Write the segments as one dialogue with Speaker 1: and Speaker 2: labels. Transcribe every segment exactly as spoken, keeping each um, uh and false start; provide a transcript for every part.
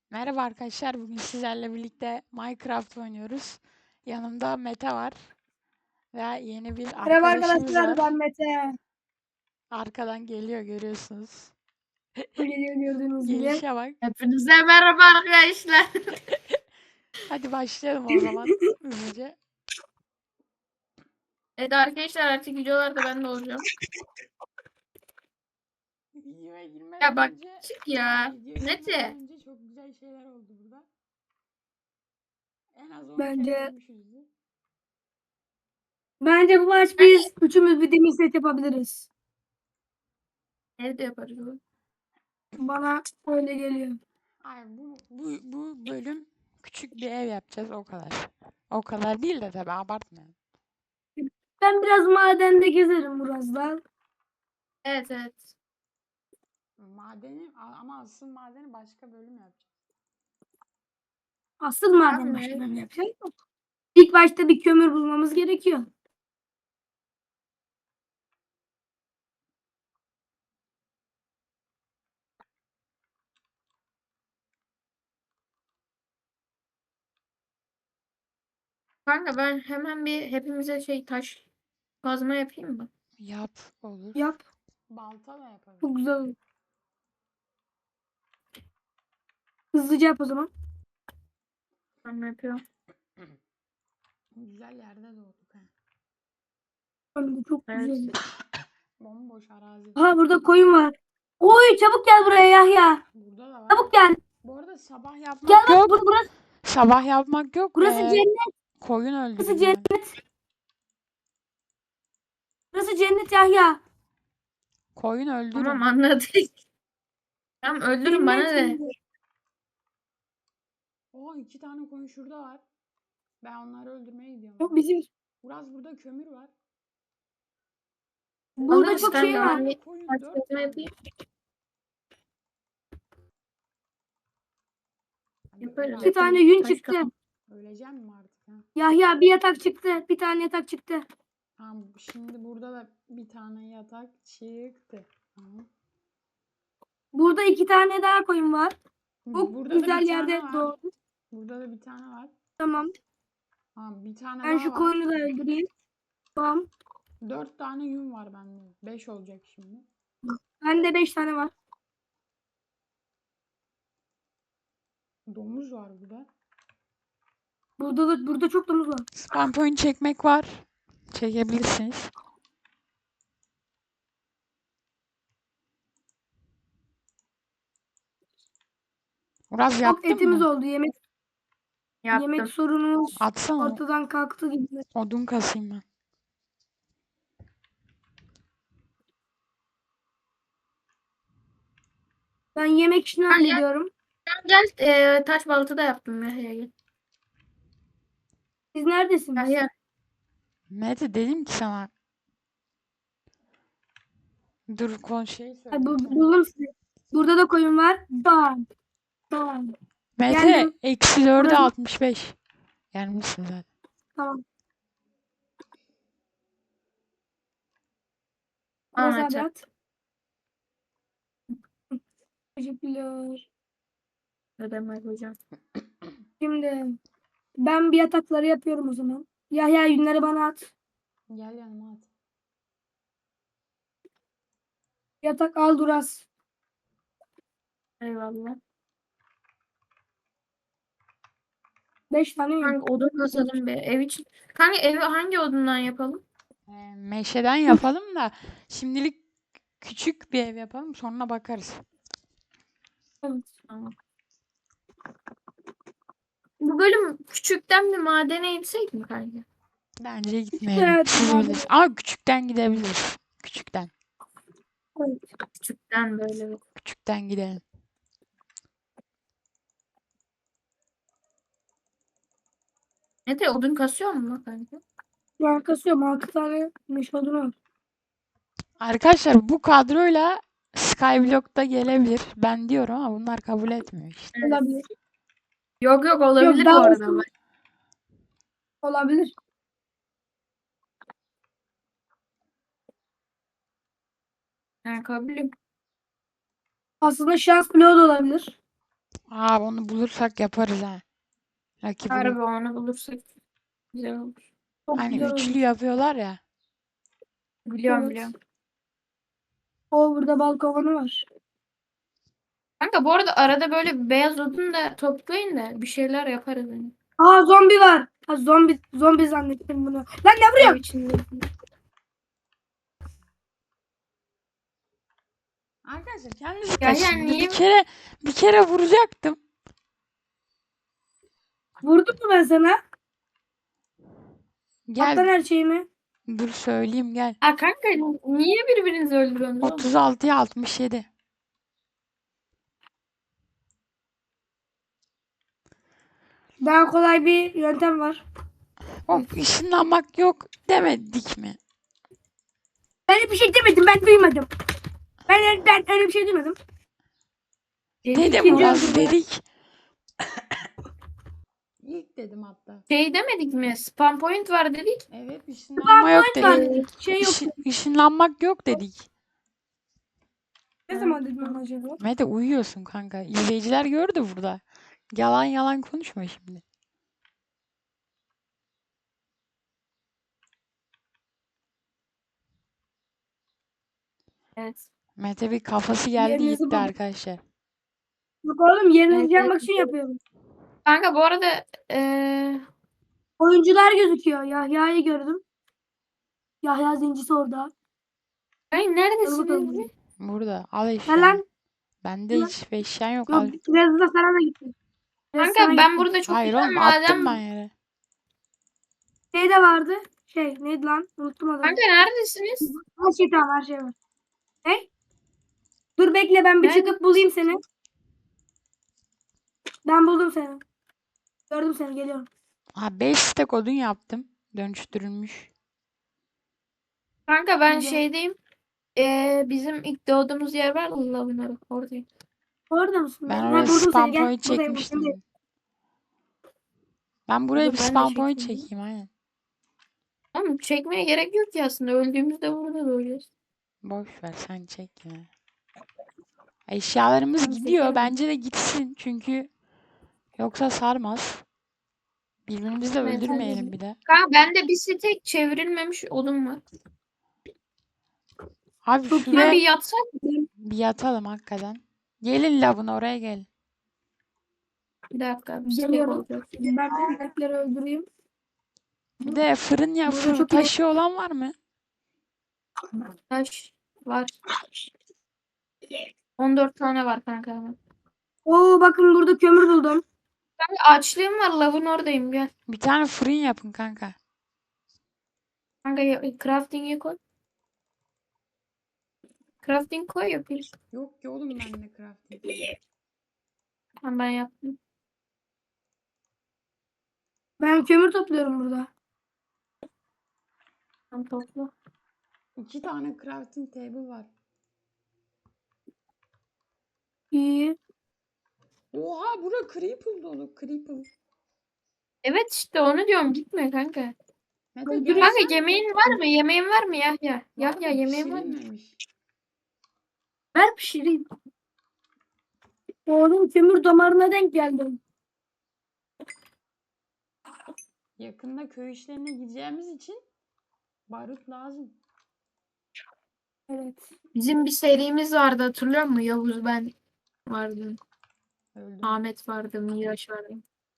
Speaker 1: Merhaba arkadaşlar. Bugün sizlerle birlikte Minecraft oynuyoruz. Yanımda Mete var ve yeni bir
Speaker 2: Merhaba
Speaker 1: arkadaşımız
Speaker 2: arkadaşlar,
Speaker 1: var.
Speaker 2: ben Mete.
Speaker 1: Arkadan geliyor, görüyorsunuz.
Speaker 2: Geliyor gördüğünüz gibi.
Speaker 1: Gelişe bak.
Speaker 3: Hepinize merhaba arkadaşlar.
Speaker 1: Hadi başlayalım o zaman hızlıca.
Speaker 3: Evet arkadaşlar artık videolarda ben de olacağım.
Speaker 1: Videoya girmeden
Speaker 3: Ya bak
Speaker 1: önce
Speaker 3: çık ya.
Speaker 1: videoya girmeden
Speaker 3: Mete.
Speaker 1: önce çok güzel şeyler oldu burada. En az on kere
Speaker 2: Bence
Speaker 1: ölmüşüzdür.
Speaker 2: bence bu maç biz üçümüz bir demir set yapabiliriz.
Speaker 3: Evde yaparız bunu.
Speaker 2: Bana öyle geliyor.
Speaker 1: Ay bu, bu, bu bölüm küçük bir ev yapacağız o kadar. O kadar değil de tabii abartmayalım.
Speaker 2: Ben biraz madende gezerim birazdan.
Speaker 3: Evet evet.
Speaker 1: Madeni ama asıl madeni başka bölüm yapacağız.
Speaker 2: Asıl maden
Speaker 3: Tamam,
Speaker 2: başka
Speaker 3: evet.
Speaker 2: bölüm yapacağız. İlk başta bir kömür bulmamız gerekiyor.
Speaker 3: Kanka ben hemen bir hepimize şey taş kazma yapayım mı?
Speaker 1: Yap olur.
Speaker 2: Yap.
Speaker 1: Balta da yapabiliriz.
Speaker 2: Çok güzel olur. Hızlıca yap o zaman.
Speaker 3: Ben yapıyorum.
Speaker 1: Güzel yerde doğduk ha.
Speaker 2: Önde çok
Speaker 3: Evet.
Speaker 2: güzel.
Speaker 1: Bomboş arazi.
Speaker 2: Ha burada koyun var. Oy çabuk gel buraya Yahya.
Speaker 1: Burada da var.
Speaker 2: Çabuk gel.
Speaker 1: Bu arada sabah yapmak
Speaker 2: Gel bak
Speaker 1: yok.
Speaker 2: bur- burası,
Speaker 1: Sabah yapmak yok.
Speaker 2: burası
Speaker 1: Ee,
Speaker 2: cennet.
Speaker 1: koyun
Speaker 2: Burası
Speaker 1: öldüreceğim.
Speaker 2: cennet. Burası cennet Yahya.
Speaker 1: Koyun öldürün.
Speaker 3: Tamam anladık. Tamam öldürün bana
Speaker 2: Cennet.
Speaker 3: de.
Speaker 1: Oo iki tane koyun şurada var. Ben onları öldürmeye gidiyorum.
Speaker 2: O bizim
Speaker 1: Biraz burada kömür var.
Speaker 2: burada
Speaker 3: Alırız
Speaker 2: çok
Speaker 3: kanka,
Speaker 2: şey var.
Speaker 3: ben bir
Speaker 1: Koyun
Speaker 3: taş
Speaker 1: dört
Speaker 3: kazma
Speaker 1: tane.
Speaker 3: yapayım.
Speaker 1: Hadi
Speaker 3: Yaparız.
Speaker 1: öl
Speaker 2: İki
Speaker 1: artık.
Speaker 2: tane yün
Speaker 3: Taş
Speaker 2: çıktı.
Speaker 3: kazma.
Speaker 1: Öleceğim mi artık ha?
Speaker 2: Yahya bir yatak çıktı. Bir tane yatak çıktı.
Speaker 1: Tamam şimdi burada da bir tane yatak çıktı. Tamam.
Speaker 2: Burada iki tane daha koyun var. Çok
Speaker 1: Burada da
Speaker 2: güzel
Speaker 1: bir
Speaker 2: yerde
Speaker 1: tane var.
Speaker 2: doğdu.
Speaker 1: Burada da bir tane var.
Speaker 2: Tamam.
Speaker 1: Tamam bir tane
Speaker 2: Ben
Speaker 1: daha
Speaker 2: şu
Speaker 1: var.
Speaker 2: koyunu da öldüreyim. Tamam.
Speaker 1: Dört tane yün var bende. Beş olacak şimdi.
Speaker 2: Bende beş tane var.
Speaker 1: Domuz var burada.
Speaker 2: Burada da burada çok domuz var.
Speaker 1: Spam point çekmek var. Çekebilirsiniz. Uraz
Speaker 2: Çok
Speaker 1: yaptın
Speaker 2: etimiz
Speaker 1: mı?
Speaker 2: oldu. Yemek
Speaker 3: Yaptım.
Speaker 2: yemek sorunumuz
Speaker 1: Atsana.
Speaker 2: ortadan kalktı gibi.
Speaker 1: Odun kasayım ben.
Speaker 2: Ben yemek işini
Speaker 3: Ben gel,
Speaker 2: hallediyorum.
Speaker 3: gel e, taş balta da yaptım ya. Gel.
Speaker 2: Siz neredesiniz?
Speaker 3: Gel.
Speaker 1: Mete dedim ki sana. Dur kon şey
Speaker 2: Ha,
Speaker 1: söyleyeyim
Speaker 2: bu,
Speaker 1: sana.
Speaker 2: buldum sizi. Burada da koyun var. Bam. Bam.
Speaker 1: Mete
Speaker 2: Geldim.
Speaker 1: eksi dörde
Speaker 2: Burası-
Speaker 1: altmış beş. Gelmişsin zaten.
Speaker 2: Tamam.
Speaker 3: Tamam,
Speaker 2: Burası
Speaker 3: Mete.
Speaker 2: Adat. Teşekkürler.
Speaker 3: Ne demek hocam?
Speaker 2: Şimdi ben bir yatakları yapıyorum o zaman. Yahya yünleri bana at.
Speaker 1: Gel yanıma at.
Speaker 2: Yatak al Duras.
Speaker 3: Eyvallah.
Speaker 2: Beş tane yün.
Speaker 3: Kanka odun kasalım be. Ev için. Kanka evi hangi odundan yapalım?
Speaker 1: Ee, meşeden yapalım da şimdilik küçük bir ev yapalım sonra bakarız.
Speaker 2: Evet.
Speaker 3: Tamam. Bu bölüm küçükten bir madene gitsek mi kanka?
Speaker 1: Bence gitmeyelim.
Speaker 2: Evet,
Speaker 1: Siz
Speaker 2: madem-
Speaker 1: bilirsiniz. Ama küçükten gidebiliriz. Küçükten.
Speaker 2: Evet.
Speaker 3: Küçükten böyle bir.
Speaker 1: Küçükten gidelim.
Speaker 3: Mete odun kasıyor mu lan kanka?
Speaker 2: Ben kasıyorum. Altı tane meş odunu.
Speaker 1: Arkadaşlar bu kadroyla Skyblock da gelebilir. Ben diyorum ama bunlar kabul etmiyor işte.
Speaker 3: Evet.
Speaker 2: Olabilir.
Speaker 3: Yok yok olabilir
Speaker 2: daha
Speaker 3: bu arada.
Speaker 2: olsun. Olabilir.
Speaker 3: Ben kabulüm.
Speaker 2: Aslında şans bloğu da olabilir.
Speaker 1: Aa onu bulursak yaparız ha. Lucky Block.
Speaker 3: Harbi onu bulursak güzel olur.
Speaker 2: Çok
Speaker 1: Hani
Speaker 2: güzel
Speaker 1: üçlü
Speaker 2: olmuş.
Speaker 1: yapıyorlar ya.
Speaker 3: Biliyorum
Speaker 2: Evet.
Speaker 3: biliyorum.
Speaker 2: O burada bal kovanı var.
Speaker 3: Kanka bu arada arada böyle beyaz odun da toplayın da bir şeyler yaparız. Yani.
Speaker 2: Aa zombi var. Ha, zombi zombi zannettim bunu. Lan ne
Speaker 3: Ev
Speaker 2: vuruyor?
Speaker 3: içinde.
Speaker 1: Arkadaşlar kendinizi
Speaker 3: Ya
Speaker 1: kaçın.
Speaker 3: yani
Speaker 1: Bir
Speaker 3: niye
Speaker 1: kere bir kere vuracaktım.
Speaker 2: Vurdum mu ben sana?
Speaker 1: Gel
Speaker 2: Atlan her şeyimi.
Speaker 1: dur söyleyeyim gel.
Speaker 3: Aa, kanka niye birbirinizi öldürüyorsunuz oğlum?
Speaker 1: otuz altıya altmış yedi.
Speaker 2: Daha kolay bir yöntem var.
Speaker 1: Hop ışınlanmak yok demedik mi?
Speaker 2: Ben öyle bir şey demedim. Ben duymadım. Ben, ben öyle bir şey duymadım.
Speaker 3: Dedik
Speaker 1: Dedim
Speaker 2: İkinci
Speaker 1: ulan
Speaker 2: öldürme.
Speaker 1: dedik. İlk dedim hatta.
Speaker 3: Şey demedik mi? Spam point var dedik.
Speaker 1: Evet ışınlanma yok
Speaker 2: Point var
Speaker 1: dedik.
Speaker 2: dedik. Şey yok.
Speaker 1: Işın, ışınlanmak yok dedik.
Speaker 2: Ne zaman dedim ama acaba?
Speaker 1: Mete uyuyorsun kanka. İzleyiciler gördü burada. Yalan yalan konuşma şimdi.
Speaker 3: Evet.
Speaker 1: Mete bir kafası geldi
Speaker 2: Yerinizi
Speaker 1: gitti
Speaker 2: bulun.
Speaker 1: arkadaşlar.
Speaker 2: Yok oğlum yerinizi
Speaker 3: Evet,
Speaker 2: yapmak
Speaker 3: evet.
Speaker 2: için yapıyorum.
Speaker 3: Kanka bu arada eee
Speaker 2: Oyuncular gözüküyor. Yahya'yı gördüm. Yahya zincisi orada.
Speaker 3: ay
Speaker 2: Dur bakalım.
Speaker 3: neredesiniz?
Speaker 1: Burada al
Speaker 2: Ne
Speaker 1: eşyanı.
Speaker 2: lan?
Speaker 1: Bende
Speaker 2: Lan.
Speaker 1: hiç eşyan yok
Speaker 2: Yok
Speaker 1: al.
Speaker 2: biraz da sana da gittim. Biraz sana
Speaker 3: Kanka ben
Speaker 2: gittim.
Speaker 3: burada çok
Speaker 1: Hayır
Speaker 3: güzel
Speaker 1: oğlum attım
Speaker 3: maden.
Speaker 1: ben yere.
Speaker 2: Şey de vardı. Şey neydi lan? Unuttum adını.
Speaker 3: Kanka neredesiniz?
Speaker 2: Her şey tamam her şey var. Ne? Dur bekle ben bir
Speaker 3: Nerede?
Speaker 2: çıkıp bulayım seni. Ben buldum seni. Gördüm seni geliyorum.
Speaker 1: Ha beş stack odun yaptım. Dönüştürülmüş.
Speaker 3: Kanka ben
Speaker 2: Güzel.
Speaker 3: şeydeyim. Eee bizim ilk doğduğumuz yer var ya lavın oradayım.
Speaker 2: Orada mısın?
Speaker 1: Ben
Speaker 2: Ha,
Speaker 1: oraya
Speaker 2: buldum
Speaker 1: spam
Speaker 2: seni gel.
Speaker 1: point
Speaker 2: Buradayım, buradayım.
Speaker 1: çekmiştim. Ben buraya
Speaker 3: Dur,
Speaker 1: bir
Speaker 3: ben de
Speaker 1: spam point
Speaker 3: çekeyim.
Speaker 1: çekeyim aynen.
Speaker 3: Oğlum çekmeye gerek yok ki aslında. Öldüğümüzde burada doğacağız.
Speaker 1: Boş ver sen çek ya. Eşyalarımız
Speaker 2: Tamam,
Speaker 1: gidiyor.
Speaker 2: çekerim.
Speaker 1: Bence de gitsin. Çünkü yoksa sarmaz. Birbirimizi de
Speaker 3: Evet,
Speaker 1: öldürmeyelim
Speaker 3: hadi.
Speaker 1: bir de.
Speaker 3: Kanka bende bir tek çevrilmemiş odun var.
Speaker 1: Abi
Speaker 2: Çok iyi.
Speaker 3: Şuna
Speaker 1: şuraya
Speaker 3: bir yatsak.
Speaker 1: bir yatalım hakikaten. Gelin lavın oraya gelin.
Speaker 3: Bir dakika. Bir tek
Speaker 2: Geliyorum.
Speaker 3: olacak.
Speaker 2: Ben de inekleri öldüreyim.
Speaker 1: Bir de fırın ya
Speaker 2: Burada
Speaker 1: fırın
Speaker 2: çok iyi.
Speaker 1: taşı olan var mı?
Speaker 3: Taş var. on dört tane var kanka.
Speaker 2: Oo bakın burada kömür buldum.
Speaker 3: Kanka açlığım var. Lavın oradayım gel.
Speaker 1: Bir tane fırın yapın kanka.
Speaker 3: Kanka ya- crafting'i koy. Crafting koy yapayım.
Speaker 1: Yok ki oğlum bende crafting.
Speaker 3: Tamam ben yaptım.
Speaker 2: Ben kömür topluyorum burada.
Speaker 3: Tamam topla.
Speaker 1: İki tane crafting table var.
Speaker 2: İyi.
Speaker 1: Oha bura creeper dolu creeper.
Speaker 3: Evet işte onu diyorum. Gitme kanka.
Speaker 1: Mete
Speaker 2: Öldürün.
Speaker 1: gel.
Speaker 3: Kanka yemeğin var mı? Yemeğin var mı Yahya? Yahya yemeğin var mı?
Speaker 1: Pişirilmemiş.
Speaker 2: Ver pişireyim. Oğlum kömür damarına denk geldim.
Speaker 1: Yakında köy işlerine gideceğimiz için barut lazım.
Speaker 2: Evet.
Speaker 3: Bizim bir serimiz vardı hatırlıyor musun? Yavuz ben vardı.
Speaker 1: Öldüm.
Speaker 3: Ahmet vardı. Miraç vardı.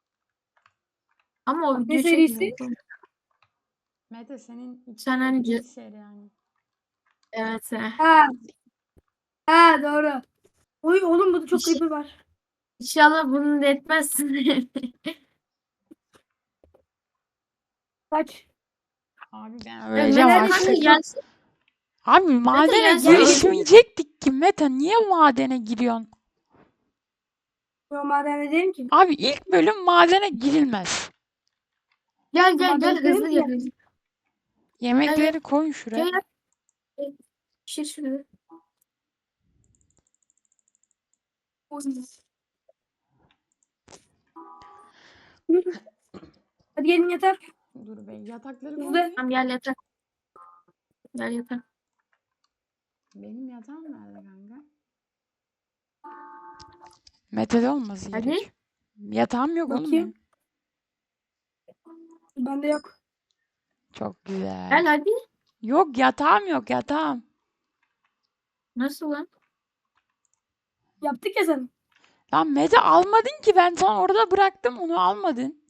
Speaker 3: Ama o
Speaker 2: Ne
Speaker 3: video
Speaker 2: serisi?
Speaker 3: çekmiyor.
Speaker 1: Mete senin iki
Speaker 3: Sen önce-
Speaker 1: bir seri yani.
Speaker 3: Evet. he.
Speaker 2: Ha. Ha doğru. Oy oğlum burada çok
Speaker 3: İşte-
Speaker 2: creeper var.
Speaker 3: İnşallah bunu da etmezsin.
Speaker 2: Kaç.
Speaker 1: Abi ben
Speaker 3: Ya
Speaker 1: öleceğim
Speaker 3: Mete
Speaker 2: neredesin?
Speaker 1: artık.
Speaker 3: kanka gelsin.
Speaker 1: Abi madene
Speaker 3: gelsin.
Speaker 1: girişmeyecektik ki Mete. Niye madene giriyorsun?
Speaker 2: Yo madene değilim ki.
Speaker 1: Abi ilk bölüm madene girilmez.
Speaker 3: Gel gel
Speaker 2: Ama
Speaker 3: gel
Speaker 2: ben
Speaker 3: hızlı
Speaker 2: dedim
Speaker 3: gel.
Speaker 2: ki-
Speaker 3: hızlı.
Speaker 1: Yemekleri koyun şuraya.
Speaker 3: Gel gel. Pişir şunu.
Speaker 2: Hadi gelin yatar.
Speaker 1: Dur be yatakları
Speaker 2: Hızlı.
Speaker 1: koyun.
Speaker 3: Tamam gel yatak. Gel yatak.
Speaker 1: Benim yatağım nerede kanka? Mete'de olması
Speaker 3: Hadi.
Speaker 1: gerekiyor. Yatağım yok oğlum
Speaker 2: Bakayım.
Speaker 1: benim.
Speaker 2: Bende yok.
Speaker 1: Çok güzel.
Speaker 3: Gel hadi.
Speaker 1: Yok yatağım yok yatağım.
Speaker 3: Nasıl lan?
Speaker 2: Yaptık ya sen.
Speaker 1: Lan Mete almadın ki, ben sana orada bıraktım, onu almadın.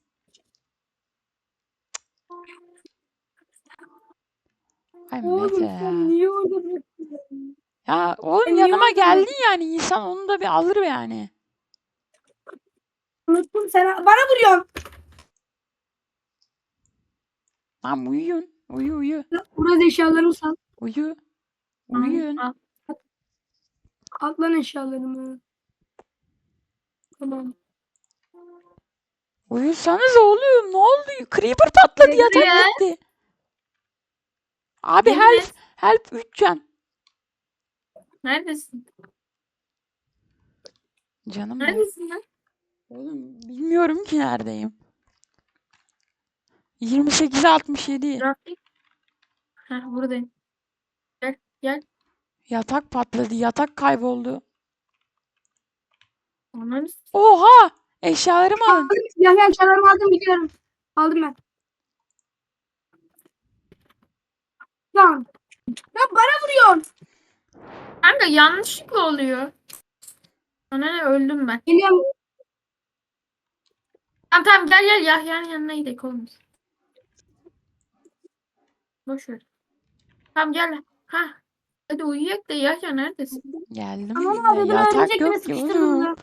Speaker 1: Ay Mete
Speaker 2: Oğlum
Speaker 1: ya.
Speaker 2: sen niye orada bıraktın?
Speaker 1: Ya oğlum
Speaker 2: Ben niye
Speaker 1: yanıma
Speaker 2: orada
Speaker 1: geldin
Speaker 2: bıraktın?
Speaker 1: yani, insan onu da bir alır yani.
Speaker 2: Unuttum sen. Bana vuruyorsun.
Speaker 1: Lan uyuyun. Uyu uyu.
Speaker 2: Burası eşyalarımı sal.
Speaker 1: Uyu.
Speaker 3: Tamam,
Speaker 1: Uyuyun.
Speaker 3: al.
Speaker 2: At lan eşyalarımı. Tamam.
Speaker 1: Uyusanız oğlum, ne oldu? Creeper patladı,
Speaker 2: Gel
Speaker 1: yatak
Speaker 3: buraya.
Speaker 1: gitti. Abi
Speaker 3: Yemin
Speaker 1: help.
Speaker 3: et.
Speaker 1: Help üç can.
Speaker 3: Neredesin?
Speaker 1: Canım benim.
Speaker 3: Neredesin lan?
Speaker 1: Oğlum bilmiyorum ki neredeyim. yirmi sekize altmış yedi.
Speaker 3: Trafik. Heh, buradayım. Gel gel.
Speaker 1: Yatak patladı. Yatak kayboldu.
Speaker 3: Ananı s-
Speaker 1: Oha! Eşyalarımı alın.
Speaker 2: Ya ya eşyalarımı aldım biliyorum. Aldım ben. Lan. Ya bana vuruyorsun.
Speaker 3: Kanka yanlışlıkla oluyor. Ana ne, öldüm ben.
Speaker 2: Geliyorum.
Speaker 3: Tamam tamam, gel gel Yahya'nın yanına gidelim oğlum. Boş ver. Tamam gel. Ha. Hadi uyuyak da Yahya neredesin?
Speaker 1: Geldim.
Speaker 2: Ananı
Speaker 1: Ya,
Speaker 2: avradını
Speaker 1: yatak
Speaker 2: örümcek beni
Speaker 1: yok ki
Speaker 2: sıkıştırdı
Speaker 1: oğlum.
Speaker 2: burada.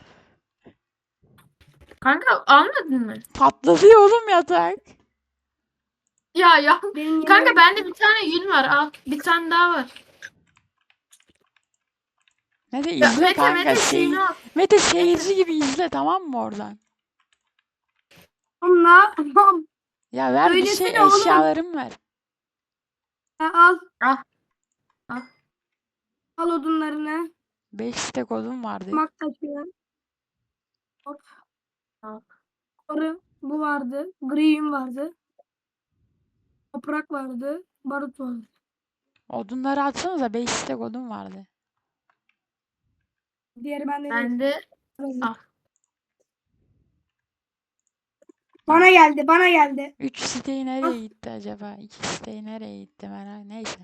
Speaker 3: Kanka almadın mı?
Speaker 1: Patladı ya oğlum yatak.
Speaker 3: Ya ya.
Speaker 2: Benim
Speaker 3: Kanka
Speaker 2: yemeğim-
Speaker 3: bende bir tane yün var. Al. Bir tane daha var.
Speaker 1: Mete
Speaker 3: Ya
Speaker 1: izle
Speaker 3: Mete
Speaker 1: kanka.
Speaker 3: Mete
Speaker 1: Şey,
Speaker 3: şeyini al.
Speaker 1: Mete seyirci gibi izle, tamam mı oradan?
Speaker 2: Oğlum ne yapmam?
Speaker 1: Ya ver bir şey,
Speaker 2: Söylesene oğlum.
Speaker 1: eşyalarımı ver.
Speaker 2: Ha, al.
Speaker 3: Al. Al.
Speaker 2: Al odunlarını.
Speaker 1: beş stek odun vardı.
Speaker 2: Mak taşıyor. Hop.
Speaker 3: Al.
Speaker 2: Sarı. Bu vardı. Gri yün vardı. Toprak vardı. Barut vardı.
Speaker 1: Odunları atsanıza, beş stek odun vardı.
Speaker 2: Diğeri bende değil.
Speaker 3: Bende. Al.
Speaker 2: Bana geldi. Bana geldi.
Speaker 1: üç siteyi
Speaker 2: Ah.
Speaker 1: nereye gitti acaba? iki siteyi nereye gitti merak. Neyse.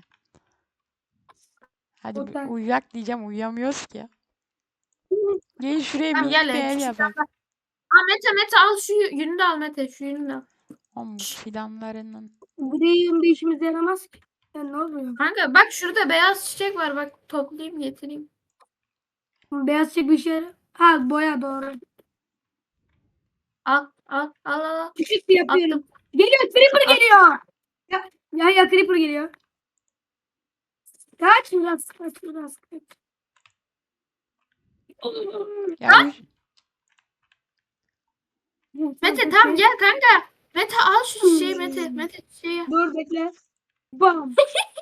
Speaker 1: Hadi bir
Speaker 2: Otel.
Speaker 1: uyuyak diyeceğim, uyuyamıyoruz ki. Gelin şuraya
Speaker 3: Tamam
Speaker 1: minik
Speaker 3: gel.
Speaker 1: bir ev
Speaker 3: Şu
Speaker 1: yapalım.
Speaker 3: fidanlar- Aa, Mete Mete al şu yünü de al Mete. Şu yünü de al.
Speaker 1: Oğlum bu fidanlarının.
Speaker 2: Gri yün bir işimize yaramaz ki. Ya ne oluyor?
Speaker 3: Kanka bak şurada beyaz çiçek var. Bak toplayayım getireyim.
Speaker 2: Beyaz çiçek bir şey. Ha boya doğru.
Speaker 3: Al al al al. al.
Speaker 2: Küçük bir yapıyorum.
Speaker 3: Attım.
Speaker 2: Geliyor. Creeper
Speaker 3: Al.
Speaker 2: geliyor. Ya, ya, ya Creeper geliyor. Kaç biraz. Kaç biraz. Kaç.
Speaker 1: Ya üç-
Speaker 3: Mete tamam gel kanka. Mete al şu çiçeği Mete. Mete çiçeği.
Speaker 2: Dur bekle. Bam.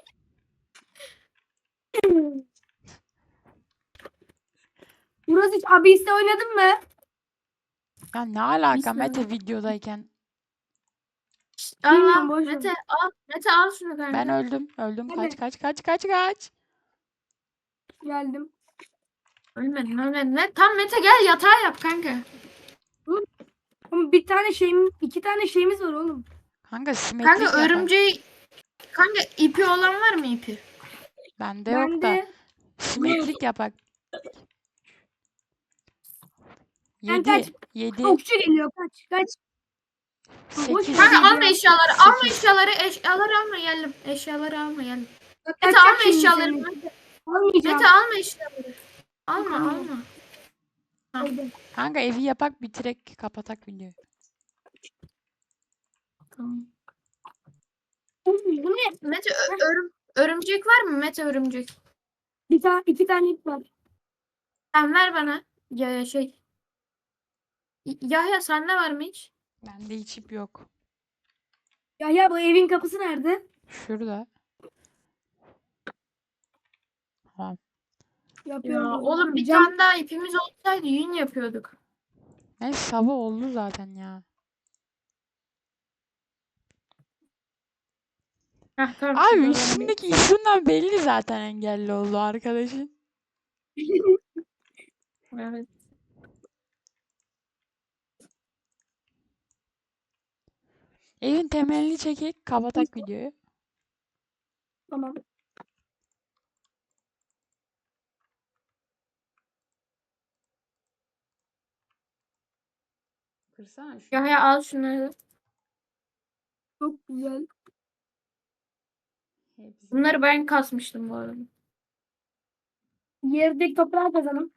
Speaker 2: Burası hiç Abyss'te oynadın mı?
Speaker 1: ya ne alaka
Speaker 3: Biz
Speaker 1: Mete
Speaker 3: nerede?
Speaker 1: videodayken?
Speaker 3: Al
Speaker 2: Bilmiyorum,
Speaker 3: al.
Speaker 2: boş ver.
Speaker 3: Mete al. Mete al şunu kanka.
Speaker 1: Ben öldüm. Öldüm.
Speaker 2: Hadi.
Speaker 1: Kaç kaç kaç kaç kaç.
Speaker 2: Geldim.
Speaker 3: Ölmedin ölmedin. Ne? Tam Mete gel yatağa yap kanka.
Speaker 2: Ama bir tane şeyim, iki tane şeyimiz var oğlum.
Speaker 1: Kanka simetrik
Speaker 3: Kanka
Speaker 1: yapar.
Speaker 3: örümceği. Kanka ipi olan var mı ipi?
Speaker 1: Bende yok da.
Speaker 2: Bende
Speaker 1: Simetrik yapak.
Speaker 2: Ben
Speaker 1: Yedi.
Speaker 2: kaç-
Speaker 1: Yedi.
Speaker 2: okçu geliyor. Kaç kaç. boş
Speaker 1: Sekiz.
Speaker 2: ver.
Speaker 3: Kanka
Speaker 2: Hadi
Speaker 3: alma
Speaker 2: ya.
Speaker 3: eşyaları. Alma
Speaker 1: Sekiz.
Speaker 3: eşyaları. Eşyaları alma geldim. Eşyaları alma geldim. Mete
Speaker 2: Kaçacak
Speaker 3: alma
Speaker 2: şimdi
Speaker 3: eşyaları.
Speaker 2: seni.
Speaker 3: Mete,
Speaker 2: Almayacağım.
Speaker 3: Mete alma eşyaları. Alma
Speaker 2: Tamam.
Speaker 3: alma.
Speaker 2: Aldım.
Speaker 1: Kanka evi yapak, bitirek kapatak videoyu.
Speaker 3: Tamam.
Speaker 2: Bu ne?
Speaker 3: Mete ö- örüm, örümcek var mı? Mete örümcek.
Speaker 2: Bir tane iki tane ip var.
Speaker 3: Sen ver bana. Ya ya şey. Y- Yahya sende var mı hiç?
Speaker 1: Bende hiç ip yok.
Speaker 2: Ya ya bu evin kapısı nerede?
Speaker 1: Şurada. Tamam.
Speaker 2: Yapıyorum.
Speaker 3: Ya
Speaker 2: o zaman.
Speaker 3: oğlum bir
Speaker 2: Cam-
Speaker 3: tane daha ipimiz olsaydı yün yapıyorduk.
Speaker 1: Neyse sabah oldu zaten ya.
Speaker 3: Heh, tamam,
Speaker 1: Abi
Speaker 3: şurada
Speaker 1: üstündeki isimden belli zaten engelli oldu arkadaşın.
Speaker 3: ben- Evet.
Speaker 1: Evin temelini çekip kapatak videoyu.
Speaker 2: Tamam.
Speaker 1: Kırsana şu.
Speaker 3: Yahya al şunları.
Speaker 2: Çok güzel.
Speaker 1: Hepsi.
Speaker 3: Bunları ben kasmıştım bu arada.
Speaker 2: Yerdeki toprağı kazanım.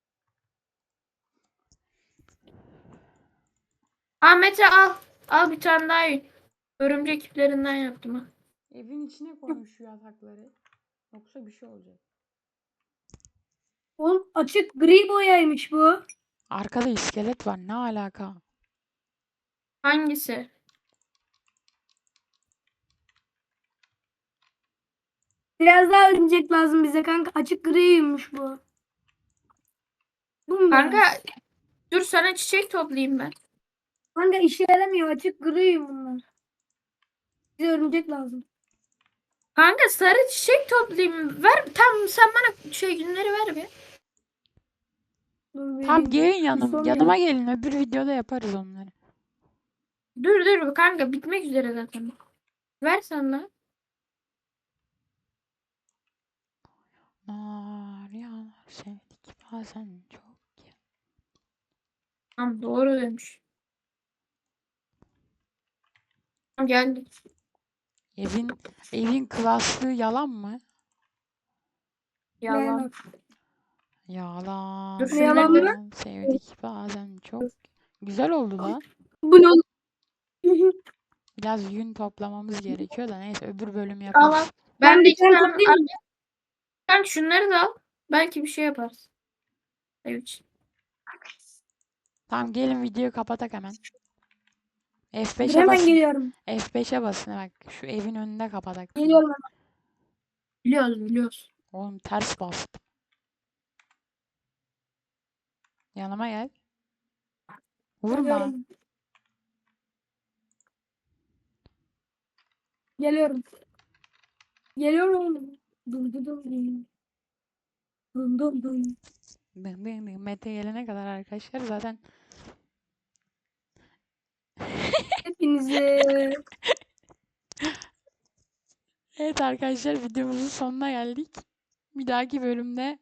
Speaker 3: Ahmet'e al. Al bir tane daha yün. Örümcek iplerinden yaptım ha.
Speaker 1: Evin içine koymuş şu yatakları. Yoksa bir şey olacak.
Speaker 2: Oğlum açık gri boyaymış bu.
Speaker 1: Arkada iskelet var. Ne alaka?
Speaker 3: Hangisi?
Speaker 2: Biraz daha örümcek lazım bize kanka. Açık griymiş bu. Bu mu?
Speaker 3: Kanka
Speaker 2: biraz?
Speaker 3: dur sana çiçek toplayayım ben.
Speaker 2: Kanka işe yaramıyor. Açık gri bunlar. Bize örümcek lazım.
Speaker 3: Kanka sarı çiçek toplayayım. Ver tam sen bana şey günleri ver bir.
Speaker 2: Dur,
Speaker 1: Tam
Speaker 2: vereyim.
Speaker 1: gelin
Speaker 2: Bir
Speaker 1: yanım.
Speaker 2: son
Speaker 1: Yanıma
Speaker 2: ya.
Speaker 1: gelin. Öbür videoda yaparız onları.
Speaker 3: Dur dur kanka bitmek üzere zaten. Ver sen de.
Speaker 1: Nar yağar sevdik bazen çok.
Speaker 3: Tamam doğru demiş. Tamam, geldi.
Speaker 1: Evin evin klaslığı yalan mı?
Speaker 3: Yalan.
Speaker 2: Beğenmem.
Speaker 1: Yalan.
Speaker 3: Dur,
Speaker 2: şunları Yalan mı?
Speaker 1: yalan sevdik bazen çok. Güzel oldu lan.
Speaker 2: Bu ne oğlum?
Speaker 1: Biraz yün toplamamız gerekiyor da neyse öbür bölüm
Speaker 3: Al al.
Speaker 1: yaparız.
Speaker 3: Ben
Speaker 2: Ben
Speaker 3: de
Speaker 2: bir
Speaker 3: iki
Speaker 2: tane
Speaker 3: tane
Speaker 2: toplayayım mı?
Speaker 3: Kanka şunları da al. Belki bir şey yaparız. Evet.
Speaker 1: Tamam gelin videoyu kapatak hemen.
Speaker 2: Dur
Speaker 1: F beşe
Speaker 2: hemen
Speaker 1: basın.
Speaker 2: geliyorum.
Speaker 1: F beşe basın bak. Şu evin önünde kapatak.
Speaker 2: Geliyorum hemen.
Speaker 3: Biliyoruz biliyoruz.
Speaker 1: Oğlum ters bastım. Yanıma gel. Vurma.
Speaker 2: Geliyorum. Geliyorum. Geliyorum. Dum dum dum dum. Dum dum dum.
Speaker 1: Dıng dıng dıng. Mete gelene kadar arkadaşlar zaten
Speaker 2: Hepinize
Speaker 1: evet arkadaşlar videomuzun sonuna geldik. Bir dahaki bölümde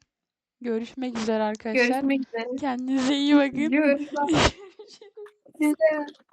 Speaker 1: görüşmek üzere arkadaşlar.
Speaker 3: Görüşmek üzere.
Speaker 1: Kendinize iyi bakın.
Speaker 3: Görüşürüz.
Speaker 2: size